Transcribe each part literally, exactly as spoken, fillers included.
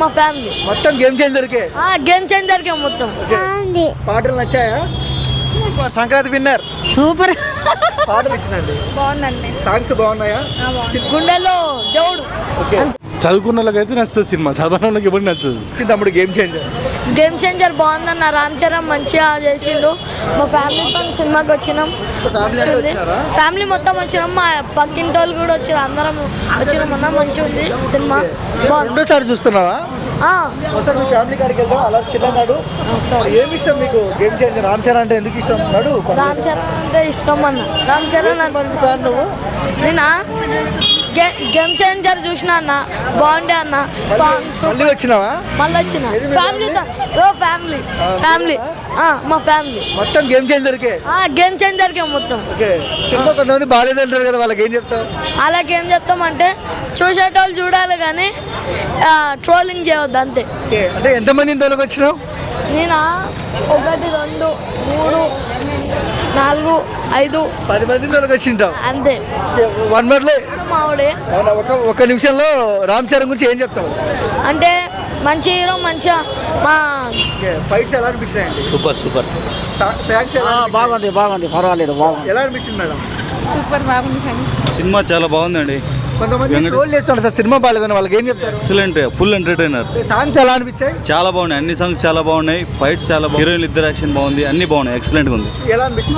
మా ఫ్యామిలీ మొత్తం గేమ్ చేంజర్కే. గేమ్ చేంజర్కే మొత్తం. పాటలు నచ్చాయా? Sankranti winner super. పాటలు ఇచ్చినండి బాగుందండి. సాంగ్స్ బాగున్నాయా? గుండెల్లో దేవుడు. చదువుకున్న వాళ్ళకైతే నచ్చుతుంది సినిమా, చదవని వాళ్ళకి ఎవరికి నచ్చదు. తమ్ముడు గేమ్ చేంజర్ గేమ్ చేంజర్ బాగుందన్న. రామ్ చరణ్ మంచిగా చేసిండు. మా ఫ్యామిలీతో సినిమాకి వచ్చినాం. ఫ్యామిలీ మొత్తం వచ్చినాం. మా పక్కింటి వాళ్ళు కూడా వచ్చారు. అందరం వచ్చినాం అన్న. మంచిగా ఉంది సినిమా. రెండోసారి చూస్తున్నావా? ఫ్యామిలీ కాడికి వెళ్తాం అలా చిన్ననాడు. ఏమి ఇష్టం మీకు గేమ్ చేంజర్? రామ్ చరణ్ అంటే ఎందుకు ఇష్టం? నాడు రామ్ చరణ్ అంటే ఇష్టం అన్న. రామ్ చరణ్ ఫ్యాన్ నువ్వు? నేనా గేమ్ చేంజర్ చూసినా అన్న. బాగుండే అన్న. సాంగ్స్ మళ్ళీ వచ్చినావా? మళ్ళీ వచ్చిన ఫ్యామిలీతో. ఫ్యామిలీ ఫ్యామిలీ మా ఫ్యామిలీ మొత్తం గేమ్ చేంజర్కే. గేమ్ చేంజర్కే మొత్తం. కొంతమంది బాగాలేదంటారు కదా, వాళ్ళకి ఏం చెప్తావు? అలాగే ఏం చెప్తామంటే చూసేటోళ్ళు చూడాలి కానీ ట్రోలింగ్ చేయవద్దు అంతే. అంటే ఎంతమంది ఇంతలోకి వచ్చినావు? నేనా ఒకటి రెండు మూడు నాలుగు ఐదు పది మంది ఇంతలోకి వచ్చింటావు అంతే. వన్ వర్డ్లో మావిడే. ఒక ఒక నిమిషంలో రామ్ చరణ్ గురించి ఏం చెప్తావు? అంటే మంచి హీరో. మంచిగా మా ఫైట్స్ ఎలా అనిపించాయండి? Super super. బాగుంది బాగుంది పర్వాలేదు బాగుంది. ఎలా అనిపించింది మేడం? సూపర్ బాగుంది. సినిమా చాలా బాగుందండి. కొంతమంది ట్రోల్ చేస్తాడు సార్ సినిమా బాగాలేదని, వాళ్ళకి ఏం చెప్తారు? Excellent, full entertainer. సాంగ్స్ ఎలా అనిపించాయి? చాలా బాగున్నాయి, అన్ని సాంగ్స్ చాలా బాగున్నాయి. ఫైట్స్ చాలా బాగున్నాయి. హీరోయిన్ ఇద్దరు యాక్షన్ బాగుంది, అన్ని బాగున్నాయి. ఎక్సలెంట్ గా ఉంది. ఎలా అనిపించింది?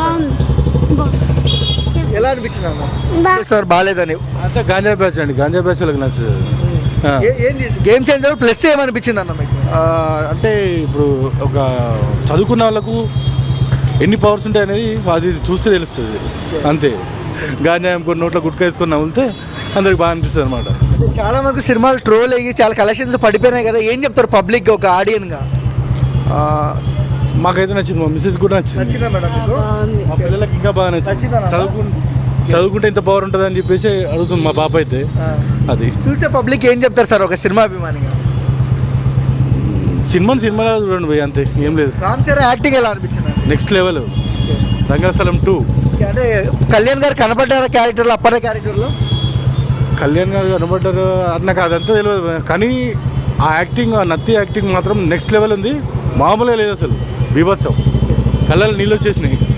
ఎలా అనిపించింది అమ్మా సార్ బాగాలేదని? అంతే గాంజా బ్యాచ్ అండి, గాంజా బ్యాచ్ వాళ్ళకి నచ్చదు. ఏంది గేమ్ చేంజర్ ప్లస్ ఏమనిపించింది అన్న మీకు? అంటే ఇప్పుడు ఒక చదువుకున్న వాళ్ళకు ఎన్ని పవర్స్ ఉంటాయి అనేది అది చూస్తే తెలుస్తుంది అంతే. గాంజా కొన్ని నోట్లో గుట్కా వేసుకొని నవ్వులితే అందరికి బాగా అనిపిస్తుంది అనమాట. చాలా వరకు సినిమాలు ట్రోల్ అయ్యి చాలా కలెక్షన్స్ పడిపోయినాయి కదా, ఏం చెప్తారు పబ్లిక్ ఒక ఆడియన్గా? మాకైతే నచ్చింది, మా మిస్సెస్ కూడా నచ్చింది. మా పిల్లలకి ఇంకా బాగా నచ్చింది. చదువుకు చదువుకుంటే ఇంత పవర్ ఉంటుంది అని చెప్పేసి అడుగుతుంది మా పాప అయితే. అది చూసే పబ్లిక్ ఏం చెప్తారు సార్ ఒక సినిమా అభిమానిగా? సినిమాని సినిమాలో చూడండి పోయి, అంతే, ఏం లేదు. రామ్ చరణ్ యాక్టింగ్ ఎలా అనిపించింది? Next level. రంగస్థలం టూ. అంటే కళ్యాణ్ గారు కనపడ్డారా క్యారెక్టర్లో, అప్పటి క్యారెక్టర్లో? కళ్యాణ్ గారు కనబడ్డారు నాకు అదంతా తెలియదు, కానీ ఆ యాక్టింగ్, ఆ నత్తి యాక్టింగ్ మాత్రం నెక్స్ట్ లెవెల్ ఉంది. మామూలుగా లేదు అసలు, బీభత్సం. కళ్ళలో నీళ్ళు వచ్చేసినాయి.